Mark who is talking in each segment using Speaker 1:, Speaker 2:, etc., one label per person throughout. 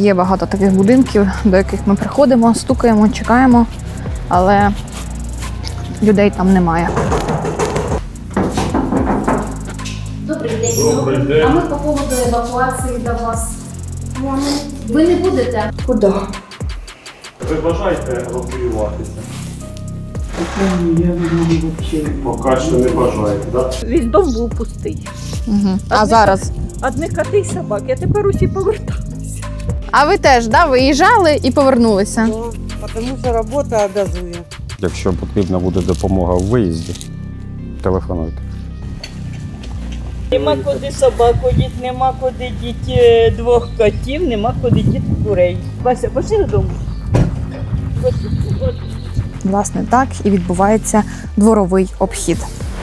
Speaker 1: Є багато таких будинків, до яких ми приходимо, стукаємо, чекаємо, але людей там немає.
Speaker 2: Добрий день.
Speaker 3: Добрий день.
Speaker 2: А ми по поводу евакуації до вас. Ви не будете?
Speaker 4: Куди?
Speaker 3: Ви бажаєте евакуюватися?
Speaker 4: Я взагалі.
Speaker 3: Поки що не бажаєте, так?
Speaker 5: Весь дом був пустий.
Speaker 1: Угу. А зараз?
Speaker 5: Одні коти й собаки, а тепер усі поверталися.
Speaker 1: А ви теж, да, виїжджали і повернулися?
Speaker 4: Тому що робота обов'язує.
Speaker 6: Якщо потрібна буде допомога в виїзді, телефонуйте.
Speaker 5: Нема куди собаку діти, нема куди діти двох котів, нема куди діти курей. Вася, пошли додому.
Speaker 1: Власне, так і відбувається дворовий обхід.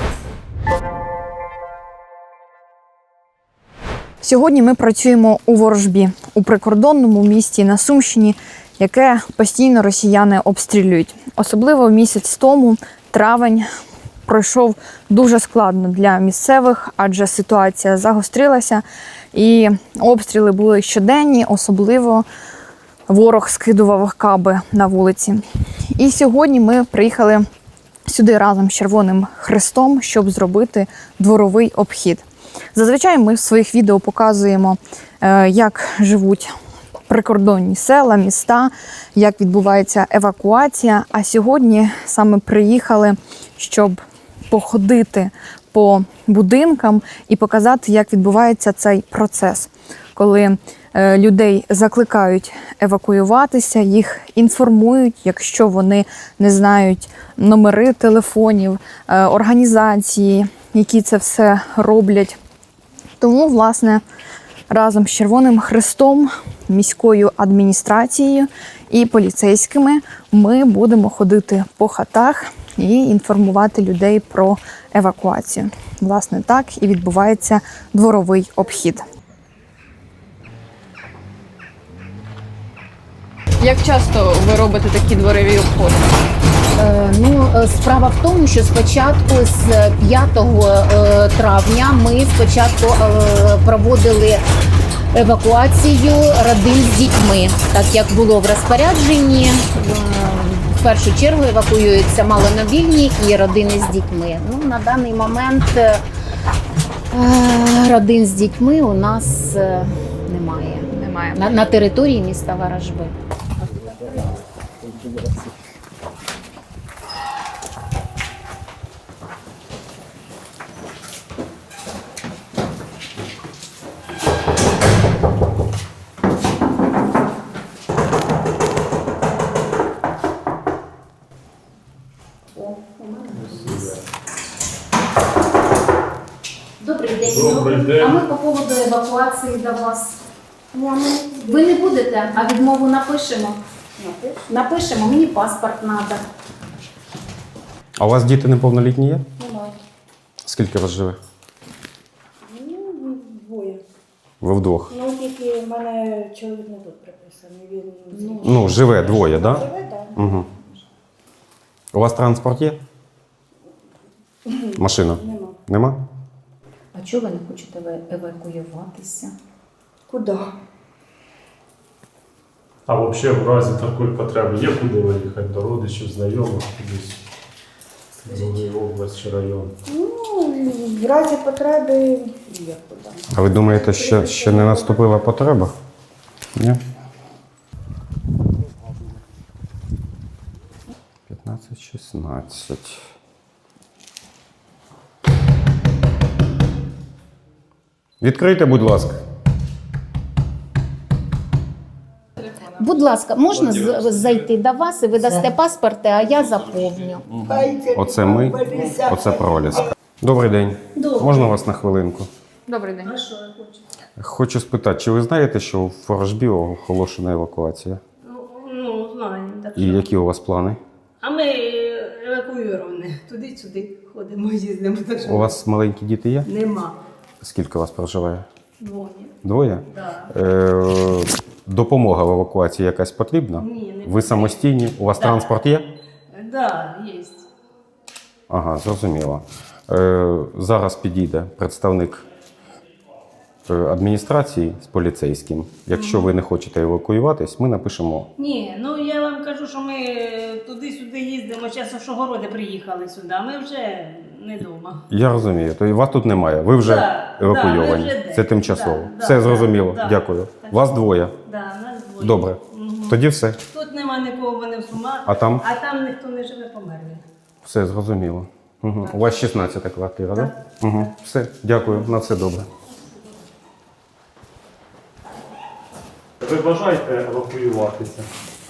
Speaker 1: Сьогодні ми працюємо у Ворожбі, у прикордонному місті на Сумщині, яке постійно росіяни обстрілюють. Особливо місяць тому, травень, пройшов дуже складно для місцевих, адже ситуація загострилася і обстріли були щоденні, особливо ворог скидував каби на вулиці. І сьогодні ми приїхали сюди разом з Червоним Хрестом, щоб зробити дворовий обхід. Зазвичай ми в своїх відео показуємо, як живуть прикордонні села, міста, як відбувається евакуація. А сьогодні саме приїхали, щоб походити по будинкам і показати, як відбувається цей процес, коли людей закликають евакуюватися, їх інформують, якщо вони не знають номери телефонів, організації, які це все роблять. Тому, власне, разом з Червоним Хрестом, міською адміністрацією і поліцейськими ми будемо ходити по хатах і інформувати людей про евакуацію. Власне, так і відбувається дворовий обхід. Як часто ви робите такі дворові обходи?
Speaker 2: Справа в тому, що спочатку з 5 травня ми спочатку проводили евакуацію родин з дітьми. Так як було в розпорядженні, в першу чергу евакуюються маломобільні і родини з дітьми. На даний момент родин з дітьми у нас немає. На території міста Ворожби. Добрий день.
Speaker 3: Добрий день.
Speaker 2: А ми по поводу евакуації до вас. Ви не будете, а відмову напишемо. Напишемо, мені паспорт треба.
Speaker 6: А у вас діти неповнолітні є?
Speaker 4: Немає.
Speaker 6: Скільки вас живе?
Speaker 4: Двоє.
Speaker 6: Ви вдвох?
Speaker 4: Тільки в мене чоловік не тут приписаний. Він
Speaker 6: Ну, живе двоє, так? Да?
Speaker 4: живе, так.
Speaker 6: Угу. У вас транспорт є? Машина?
Speaker 4: Нема.
Speaker 6: Нема?
Speaker 2: А чого ви не хочете евакуюватися?
Speaker 4: Куди?
Speaker 3: А взагалі в разі такої потреби є куди виїхати до родичів, знайомих, кудись? В область чи район?
Speaker 4: В разі потреби є куди.
Speaker 6: А ви думаєте, ще не наступила потреба? Ні? 15-16. Відкрийте, будь ласка.
Speaker 2: Будь ласка, можна зайти до вас і ви дасте паспорти, а я заповню.
Speaker 6: Оце ми, оце проліска. Добрий день. Можна вас на хвилинку?
Speaker 1: Добрий день.
Speaker 6: Хочу спитати, чи ви знаєте, що в Ворожбі оголошена евакуація?
Speaker 7: Ну, знаємо. Так.
Speaker 6: І які у вас плани?
Speaker 7: А ми евакуйовані. Туди-сюди ходимо, їздимо. Так що
Speaker 6: У вас маленькі діти є?
Speaker 7: нема.
Speaker 6: Скільки у вас проживає?
Speaker 7: Двоє.
Speaker 6: Двоє?
Speaker 7: Да.
Speaker 6: Допомога в евакуації якась потрібна?
Speaker 7: Ні, не
Speaker 6: Ви самостійні? У вас
Speaker 7: Да.
Speaker 6: транспорт є?
Speaker 7: Да, є.
Speaker 6: Ага, зрозуміло. Зараз підійде представник адміністрації з поліцейським. Якщо ви не хочете евакуюватись, ми напишемо.
Speaker 7: Ні, ну я вам кажу, що ми туди-сюди їздимо, зараз в Шогороди приїхали сюди, а ми вже не вдома.
Speaker 6: Я розумію, то і вас тут немає. Ви вже
Speaker 7: Да,
Speaker 6: евакуйовані.
Speaker 7: да, ми вже
Speaker 6: Це
Speaker 7: де.
Speaker 6: тимчасово.
Speaker 7: Да,
Speaker 6: Все
Speaker 7: да,
Speaker 6: зрозуміло.
Speaker 7: да.
Speaker 6: Дякую.
Speaker 7: Так.
Speaker 6: Вас двоє.
Speaker 7: Да, нас двоє.
Speaker 6: Добре.
Speaker 7: Мгм.
Speaker 6: Тоді все.
Speaker 7: Тут нема нікого, вони в Сума,
Speaker 6: А там?
Speaker 7: ніхто не живе, померли.
Speaker 6: Все зрозуміло. Угу. У вас 16-та квартира, так? Да? Угу. Все, дякую, на все добре.
Speaker 3: Ви бажаєте евакуюватися?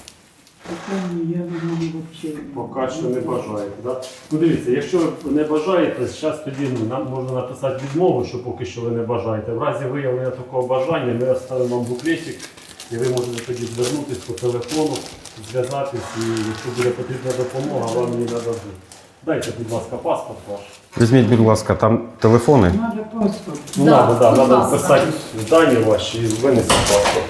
Speaker 3: Поки що не бажаєте, так? Ну дивіться, якщо ви не бажаєте, зараз тоді нам можна написати відмову, що поки що ви не бажаєте. В разі виявлення такого бажання ми оставимо вам буклетик, і ви можете тоді звернутися по телефону, зв'язатись, і якщо буде потрібна допомога, вам її нададуть. Дайте, будь ласка, паспорт ваш.
Speaker 6: Візьміть, будь ласка, там телефони.
Speaker 3: Ну,
Speaker 2: Да,
Speaker 3: надо,
Speaker 2: будь
Speaker 3: надо
Speaker 2: ласка.
Speaker 3: вписати дані ваші і винести паспорт.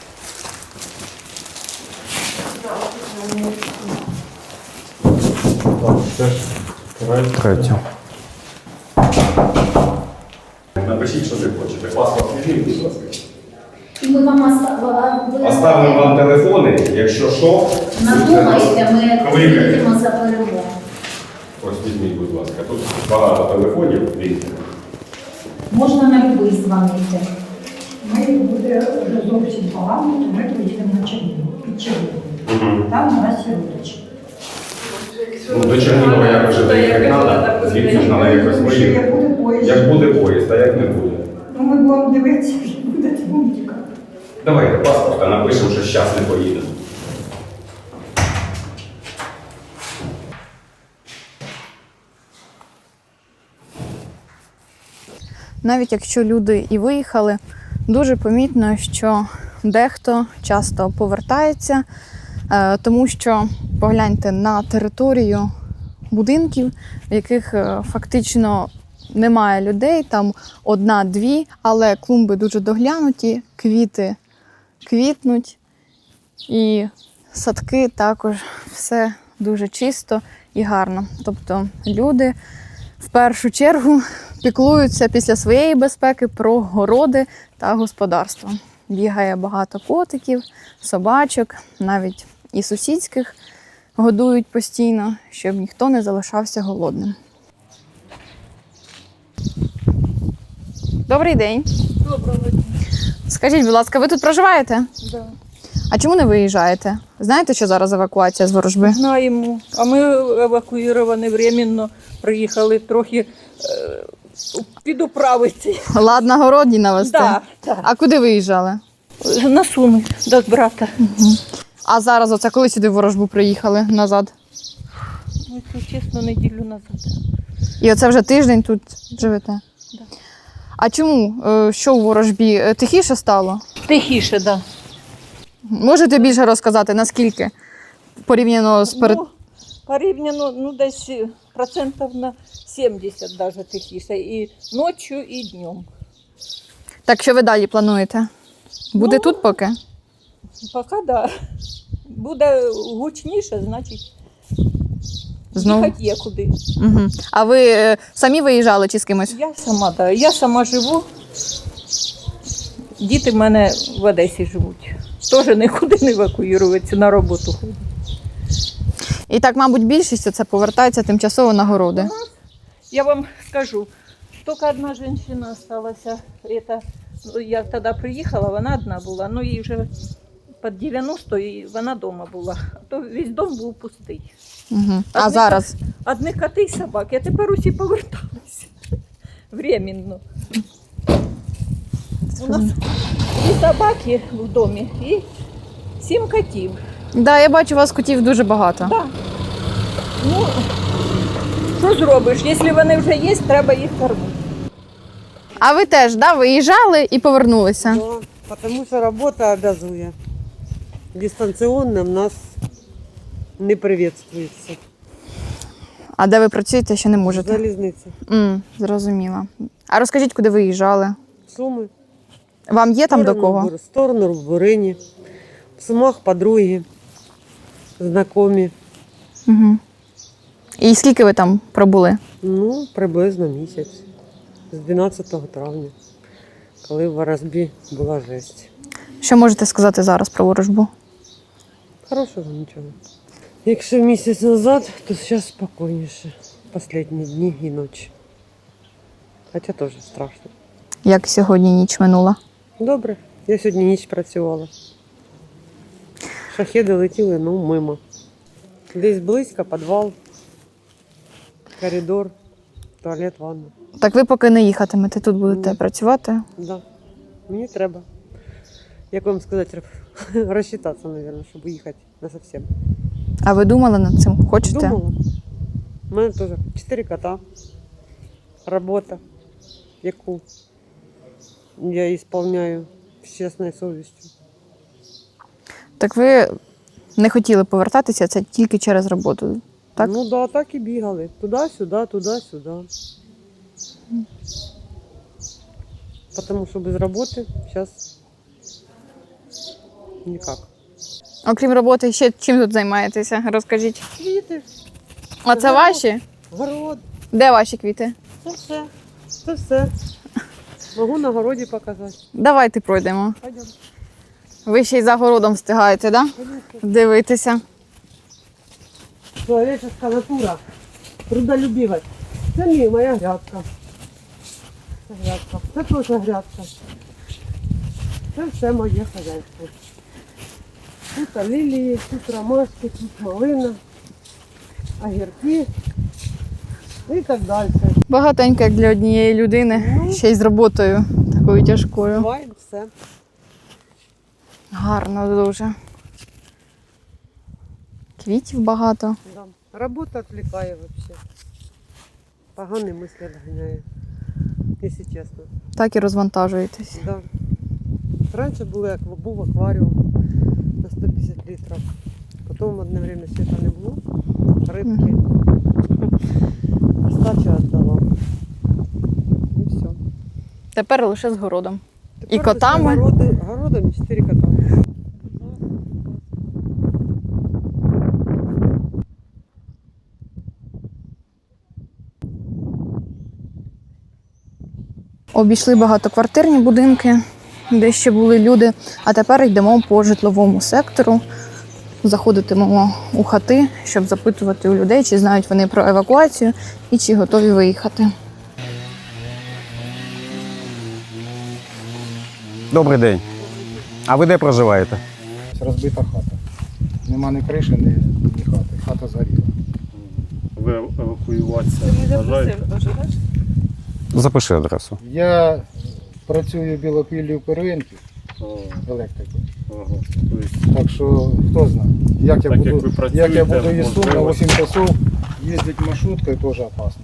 Speaker 3: Так, це ж
Speaker 6: Третю.
Speaker 8: Напишіть, що ви хочете. Паспорт візьміть, будь ласка.
Speaker 2: І ми вам оставимо.
Speaker 8: Оставимо вам телефони, якщо що.
Speaker 2: Надумаєте, ми
Speaker 8: Кликайте.
Speaker 2: приїдемо за перемогу.
Speaker 8: Ось візьміть, будь ласка. Тут багато телефонів. Дивіться.
Speaker 2: Можна на любий дзвонити.
Speaker 9: Ми буде вже зовсім погано, то ми поїдемо на Чернігів, під Чернігів. Там у нас є родичі.
Speaker 8: Ну, до Чернігова як вже доїхати треба, звідси ж треба якось
Speaker 9: Тому що як
Speaker 8: виїхати.
Speaker 9: буде поїзд,
Speaker 8: Як буде поїзд, а як не буде.
Speaker 9: ну ми будемо дивитися, що буде, тому тікати.
Speaker 8: Давайте паспорт, а напишемо, що зараз не поїдемо.
Speaker 1: Навіть якщо люди і виїхали, дуже помітно, що дехто часто повертається, тому що погляньте на територію будинків, в яких фактично немає людей, там одна-дві, але клумби дуже доглянуті, квіти квітнуть і садки також все дуже чисто і гарно. Тобто люди в першу чергу піклуються після своєї безпеки про городи та господарство. Бігає багато котиків, собачок, навіть і сусідських годують постійно, щоб ніхто не залишався голодним. Добрий день.
Speaker 5: Доброго дня.
Speaker 1: Скажіть, будь ласка, ви тут проживаєте?
Speaker 5: Да.
Speaker 1: А чому не виїжджаєте? Знаєте, що зараз евакуація з Ворожби?
Speaker 5: Знаємо. А ми евакуйовані временно, приїхали трохи підуправити.
Speaker 1: Ладно, городні навести.
Speaker 5: Да, да.
Speaker 1: А куди виїжджали?
Speaker 5: На Суми до брата.
Speaker 1: А зараз оце коли сюди в Ворожбу приїхали назад?
Speaker 5: Ну, якщо чесно, неділю назад.
Speaker 1: І оце вже тиждень тут живете?
Speaker 5: Да.
Speaker 1: А чому? Що у Ворожбі? Тихіше стало?
Speaker 5: Тихіше, так. Да.
Speaker 1: Можете більше розказати, наскільки? Порівняно з перед...
Speaker 5: Ну, порівняно, ну, десь процентів на 70 даже тихіше. І ночі, і днем.
Speaker 1: Так що ви далі плануєте? Буде
Speaker 5: Ну,
Speaker 1: тут поки?
Speaker 5: Поки да. Буде гучніше, значить,
Speaker 1: Знову?
Speaker 5: їхати є куди.
Speaker 1: Угу. А ви самі виїжджали чи з кимось?
Speaker 5: Я сама, да. Я сама живу. Діти в мене в Одесі живуть. Теж нікуди не евакуюються, на роботу ходять.
Speaker 1: І так, мабуть, більшість це повертається тимчасово на городи.
Speaker 5: Я вам скажу, тільки одна жінка залишилася. Я тоді приїхала, вона одна була, ну їй вже під 90 і вона вдома була. А то весь дом був пустий.
Speaker 1: Угу. А
Speaker 5: Одні
Speaker 1: зараз?
Speaker 5: Одні коти і собаки, а тепер усі поверталися. Временно. У нас і собаки в домі, і 7 котів.
Speaker 1: Да, я бачу, у вас котів дуже багато.
Speaker 5: Да. Ну, що зробиш? Якщо вони вже є, треба їх кормити.
Speaker 1: А ви теж, да, виїжджали і повернулися?
Speaker 10: Да, потому что работа обязує. Дистанционно в нас не приветствується.
Speaker 1: А де ви працюєте, ще не можете?
Speaker 10: Залізниця.
Speaker 1: Зрозуміла. А розкажіть, куди виїжджали?
Speaker 10: Суми.
Speaker 1: Вам є там до кого?
Speaker 10: В сторону в Бурині. В Сумах подруги, знайомі.
Speaker 1: Угу. І скільки ви там пробули?
Speaker 10: Ну, приблизно місяць. З 12 травня. коли в Ворожбі була жесть.
Speaker 1: Що можете сказати зараз про ворожбу?
Speaker 10: Хорошого нічого. Якщо місяць назад, то зараз спокійніше. Останні дні і ночі. Хоча теж страшно.
Speaker 1: Як сьогодні ніч минула?
Speaker 10: Добре, я сьогодні ніч працювала. Шахеди летіли, ну, мимо. Десь близько, підвал, коридор, туалет, ванна.
Speaker 1: Так ви поки не їхатимете, тут будете працювати?
Speaker 10: Да. Мені треба. Як вам сказати, розчитатися, мабуть, щоб їхати насовсем.
Speaker 1: А ви думали над цим? Хочете?
Speaker 10: Думала. У мене теж 4 кота. Робота, яку я виконую з чесною совістю.
Speaker 1: Так ви не хотіли повертатися, це тільки через роботу, так?
Speaker 10: Ну да, так і бігали. Туди-сюди, туди-сюди. Тому що без роботи зараз ніяк.
Speaker 1: Окрім роботи, ще чим тут займаєтеся? Розкажіть.
Speaker 10: Квіти,
Speaker 1: А це ваші?
Speaker 10: город,
Speaker 1: Де ваші квіти?
Speaker 10: це все. Це все. Можу на городі показати.
Speaker 1: Давайте пройдемо.
Speaker 10: Пойдемо.
Speaker 1: Ви ще й за городом встигаєте, так? Да? Дивитися.
Speaker 10: Человеческая натура, трудолюбивость. Це моя грядка. Це грядка. Це теж грядка. Це все моє хазяйство. Тут лілії, тут ромашки, тут малина, огірки і так далі.
Speaker 1: Багатенько, як для однієї людини, ще й з роботою такою тяжкою.
Speaker 10: Буває все.
Speaker 1: Гарно дуже. Квітів багато.
Speaker 10: Да. Робота відвлікає взагалі. Погані мислі відганяє, якщо чесно.
Speaker 1: Так і розвантажуєтесь.
Speaker 10: Да. Раніше був акваріум на 150 літрів. Потім одне время світа не було. Рибки. Остачу віддала. І все.
Speaker 1: Тепер лише з городом.
Speaker 10: Тепер
Speaker 1: І котами?
Speaker 10: Городом 4 кота.
Speaker 1: Обійшли багатоквартирні будинки, де ще були люди, а тепер йдемо по житловому сектору. Заходитимемо у хати, щоб запитувати у людей, чи знають вони про евакуацію і чи готові виїхати.
Speaker 6: Добрий день. А ви де проживаєте?
Speaker 11: Розбита хата. Нема ні криші, ні хати. Хата згоріла.
Speaker 3: Ви евакуюватися бажаєте?
Speaker 6: Запиши адресу.
Speaker 11: Я працюю білопіллі в первинці електрикою.
Speaker 3: Ага. Тобто,
Speaker 11: Так що хто знає, як я
Speaker 3: Так, як
Speaker 11: буду,
Speaker 3: ви працюєте,
Speaker 11: як я буду із Сум на
Speaker 3: можливо.
Speaker 11: 8 часов їздити маршруткою, теж опасно.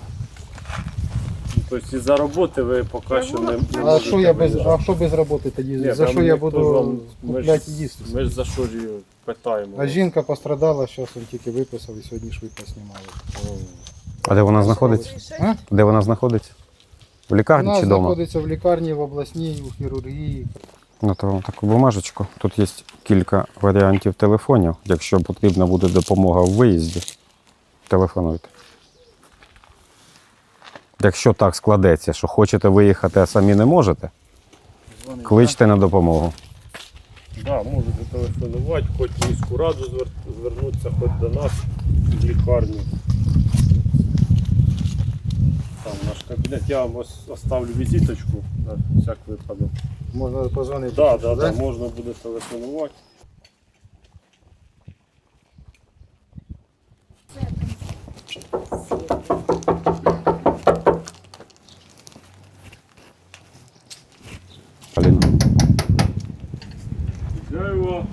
Speaker 3: тобто із-за роботи ви поки що не
Speaker 11: А
Speaker 3: можете
Speaker 11: що я без,
Speaker 3: виїжджати.
Speaker 11: а що без роботи тоді?
Speaker 3: Ні,
Speaker 11: За
Speaker 3: там
Speaker 11: що я
Speaker 3: ніхто ж
Speaker 11: буду
Speaker 3: вам-
Speaker 11: купляти і їсти?
Speaker 3: Ми ж за що ж її питаємо.
Speaker 11: А жінка пострадала, зараз він тільки виписав і сьогодні швидко знімали.
Speaker 6: А де вона знаходиться?
Speaker 11: А?
Speaker 6: Де вона знаходиться? В лікарні
Speaker 11: Вона
Speaker 6: чи вдома?
Speaker 11: знаходиться в лікарні, в обласній, у хірургії.
Speaker 6: Ну, то вам таку бумажечку. Тут є кілька варіантів телефонів. Якщо потрібна буде допомога в виїзді, телефонуйте. Якщо так складеться, що хочете виїхати, а самі не можете, кличте на допомогу.
Speaker 3: Да, можете телефонувати, хоч в міську раду звернутися, хоч до нас в лікарню. Там наш кабінет. Я вам оставлю візиточку на всяк випадок.
Speaker 11: Можна позвонити.
Speaker 3: Да, можна буде телефонувати.
Speaker 6: Блін.
Speaker 3: Дерево.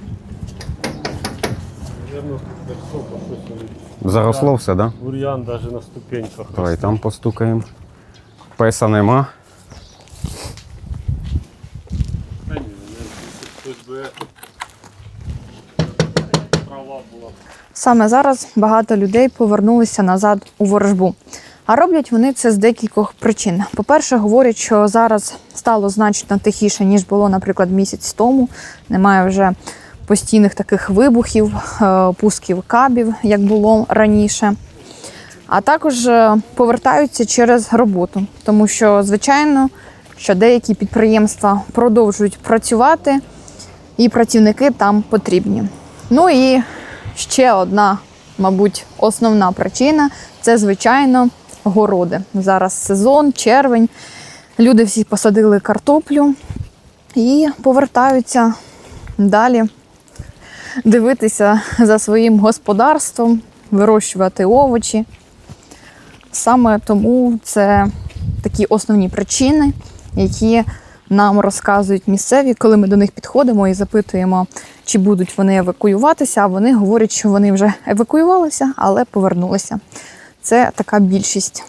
Speaker 3: Наверно, високо щось.
Speaker 6: Заросло все, так? Да?
Speaker 3: Бур'ян навіть на ступеньках.
Speaker 6: Давай там постукаємо. Песа нема.
Speaker 3: Та ні, хтось би трава була.
Speaker 1: Саме зараз багато людей повернулися назад у ворожбу. А роблять вони це з декількох причин. По-перше, говорять, що зараз стало значно тихіше, ніж було, наприклад, місяць тому. Немає вже постійних таких вибухів, пусків кабів, як було раніше. А також повертаються через роботу, тому що, звичайно, що деякі підприємства продовжують працювати, і працівники там потрібні. Ну і ще одна, мабуть, основна причина – це, звичайно, городи. Зараз сезон, червень, люди всі посадили картоплю і повертаються далі дивитися за своїм господарством, вирощувати овочі. Саме тому це такі основні причини, які нам розказують місцеві, коли ми до них підходимо і запитуємо, чи будуть вони евакуюватися, а вони говорять, що вони вже евакуювалися, але повернулися. Це така більшість.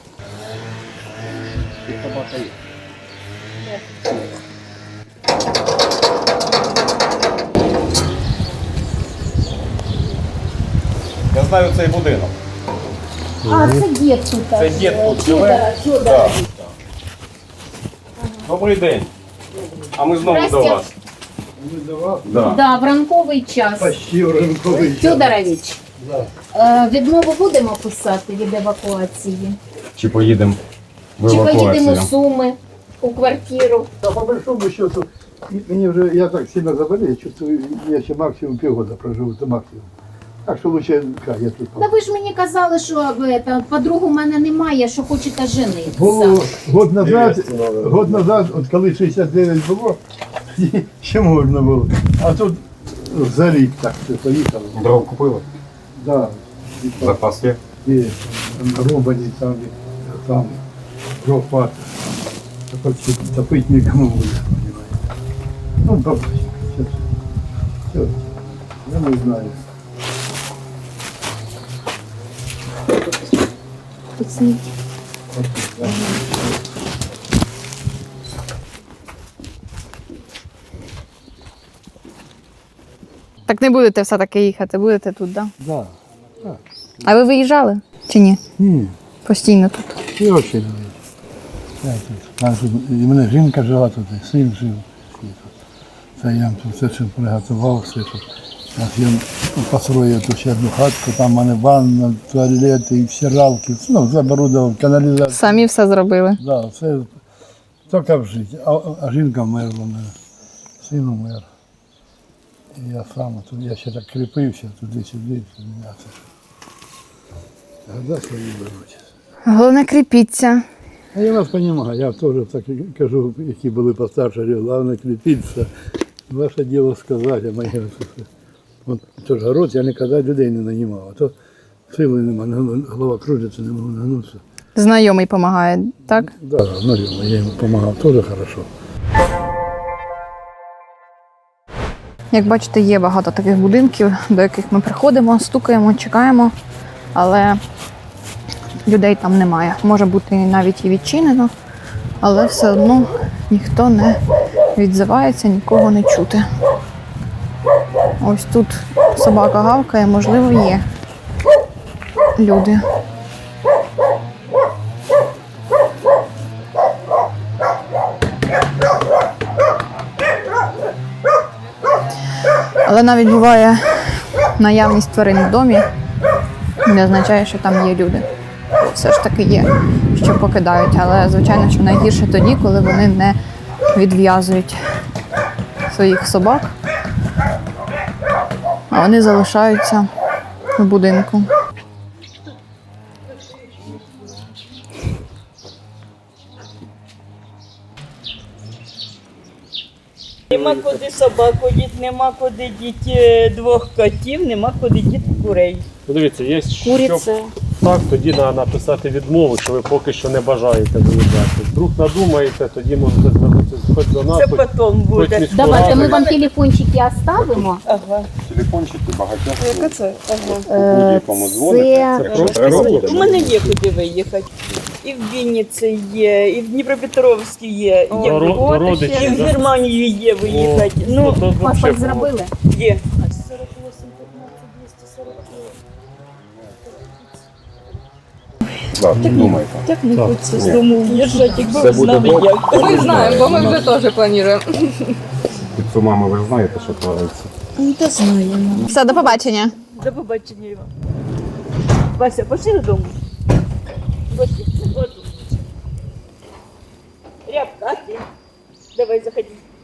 Speaker 6: Я знаю цей будинок.
Speaker 2: А, це дід тут.
Speaker 6: Це дід тут живе?
Speaker 2: Федорович.
Speaker 6: Добрий день. А ми знову до вас. Да.
Speaker 2: Да, в ранковий час.
Speaker 11: Почти в ранковий час.
Speaker 2: Федорович, відмову будемо писати від евакуації?
Speaker 6: Чи поїдемо в
Speaker 2: Чи поїдемо
Speaker 6: евакуацію?
Speaker 2: в Суми у квартиру?
Speaker 11: Да, по большому счету, мне уже, я так сильно заболел, чувствую, я еще максимум полгода проживу, это максимум. Так що лучше, я тут.
Speaker 2: Та ви ж мені казали, що подругу в мене немає, що хочете женитися.
Speaker 11: Було год назад, от коли 69 було, ще можна було. А тут за рік так все поїхало.
Speaker 6: Дров купили?
Speaker 11: Да.
Speaker 6: Запас є?
Speaker 11: І рубані там дров хватить. Так от топить нікому буде, понимаете. Ну, побачимо. Все. Я не знаю.
Speaker 1: Так не будете все-таки їхати, будете тут, так?
Speaker 11: Да.
Speaker 1: А ви виїжджали чи ні?
Speaker 11: Ні.
Speaker 1: Постійно тут.
Speaker 11: І очі не вийде. Я тут. Там тут і мене жінка жила тут, і син жив. Всі тут. Це я тут все чим приготував, все тут. Я построїв тут ще одну хатку, там в мене ванна, туалети, і стиралки, ну, заборудував, каналізацію.
Speaker 1: Самі все зробили.
Speaker 11: Да, все тільки в житті. А жінка вмерла в мене, син умер. І я сам, тут я ще так кріпився, туди-сюди, м'ясо. Года свої беруть.
Speaker 1: Головне, кріпіться.
Speaker 11: А я вас розумію, я теж так кажу, які були постарше, головне кріпитися. Ваше діло сказати, а моє все. От тож город я ніколи людей не нанімав, а то сили немає, голова кружиться, не можу нагнутися.
Speaker 1: Знайомий допомагає, так?
Speaker 11: Так, да, знайомий, я йому допомагав, теж добре.
Speaker 1: Як бачите, є багато таких будинків, до яких ми приходимо, стукаємо, чекаємо, але людей там немає. Може бути навіть і відчинено, але все одно ніхто не відзивається, нікого не чути. Ось тут собака гавкає, можливо, є люди. Але навіть буває наявність тварин в домі, не означає, що там є люди. Все ж таки є, що покидають. Але, звичайно, що найгірше тоді, коли вони не відв'язують своїх собак, а вони залишаються в будинку.
Speaker 12: Нема куди собаку діти, нема куди діти двох котів, нема куди діти курей.
Speaker 3: Подивіться, є
Speaker 12: Куриця.
Speaker 3: що так, тоді треба написати відмову, що ви поки що не бажаєте виїжджати. Вдруг надумаєте, тоді можете звернутися хоч до нас,
Speaker 12: Це потім буде.
Speaker 3: міську
Speaker 2: Давайте
Speaker 3: раду.
Speaker 2: ми вам телефончики оставимо.
Speaker 12: Ага.
Speaker 6: Телефончики багатьох.
Speaker 12: Яка це? Ага.
Speaker 6: Будь-якому дзвоните. Це просто
Speaker 12: У мене є куди виїхати. І в Вінниці є, і в Дніпропетровській є, і
Speaker 3: До родичів,
Speaker 12: і в
Speaker 3: да?
Speaker 12: Германію є виїхати. Ну,
Speaker 3: то
Speaker 2: Паспорт
Speaker 3: взагалі
Speaker 2: зробили?
Speaker 12: є.
Speaker 6: Так, думайте.
Speaker 12: Так не хочеться з дому в'їжджати, якби
Speaker 6: Це
Speaker 12: ви
Speaker 6: буде
Speaker 12: знали
Speaker 6: добре.
Speaker 12: як.
Speaker 1: Ми знаємо, бо ми вже теж плануємо.
Speaker 6: Під Сумами ви знаєте, що твориться.
Speaker 12: Ну, та знаємо.
Speaker 1: Все, до побачення.
Speaker 12: До побачення, Іван. Вася, пошли додому. Рябка, а ти? Давай, заходи.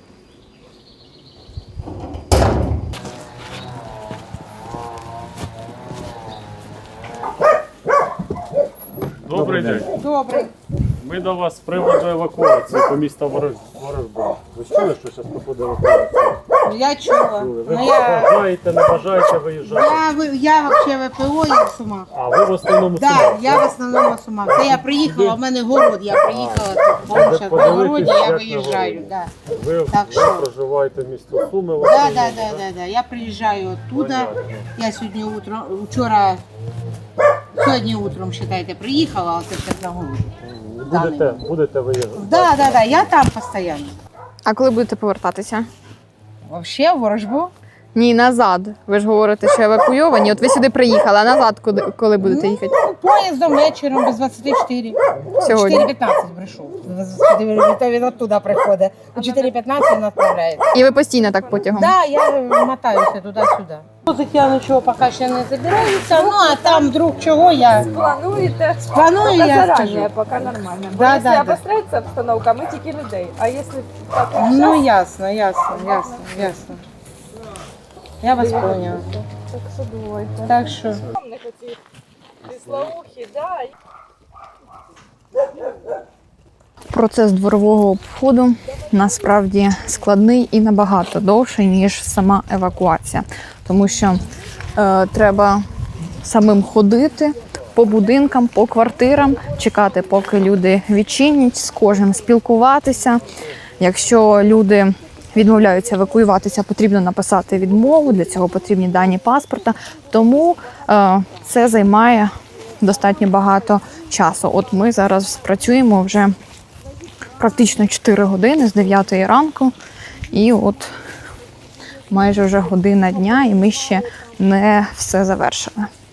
Speaker 3: Добрий день.
Speaker 10: Добрый.
Speaker 3: Ми до вас з приводу евакуації по місту Ворожба. Ви чули, що зараз проходить евакуація?
Speaker 10: Я чула.
Speaker 3: Ви бажаєте, не бажаєте виїжджати?
Speaker 10: Я вообще ВПО, я в Сумах.
Speaker 3: А ви в основному
Speaker 10: Да,
Speaker 3: Сумах,
Speaker 10: я в основному в Сумах. Це я приїхала, в мене город, я приїхала тут. Бо зараз на городі я виїжджаю. Да.
Speaker 3: Ви
Speaker 10: Так що?
Speaker 3: проживаєте в місті Суми? в
Speaker 10: Да,
Speaker 3: основному,
Speaker 10: да. Я приїжджаю оттуда. Я сьогодні сьогодні утром, считайте, приїхала, а це зараз на городі.
Speaker 3: Будете виїжджати?
Speaker 10: Да, я там постійно.
Speaker 1: А коли будете повертатися?
Speaker 10: Вообще в Ворожбу?
Speaker 1: Ні, назад. Ви ж говорите, що евакуйовані. От ви сюди приїхали, а назад коли будете їхати?
Speaker 10: Ну, поїздом вечором без 24.
Speaker 1: Сьогодні.
Speaker 10: 4:15 прийшов. Він оттуда приходить. У 4:15 він відправляється.
Speaker 1: І ви постійно так потягом?
Speaker 10: Да, я мотаюся туди-сюди. Я нічого поки ще не забираюся, ну а там вдруг чого я
Speaker 5: Плануєте?
Speaker 10: спланую, я скажу.
Speaker 5: поки нормально.
Speaker 10: Да, якщо да.
Speaker 5: обостряється обстановка, ми тільки людей. А якщо так,
Speaker 10: Ну ясно. Я вас поняла.
Speaker 5: так що думаєте?
Speaker 10: Так що.
Speaker 5: Не хотів. Присловухи, да.
Speaker 1: Процес дворового обходу насправді складний і набагато довший, ніж сама евакуація. Тому що треба самим ходити по будинкам, по квартирам, чекати, поки люди відчинять, з кожним спілкуватися. Якщо люди відмовляються евакуюватися, потрібно написати відмову, для цього потрібні дані паспорта. Тому це займає достатньо багато часу. От ми зараз працюємо вже практично 4 години з 9 ранку, і от майже вже година дня, і ми ще не все завершили.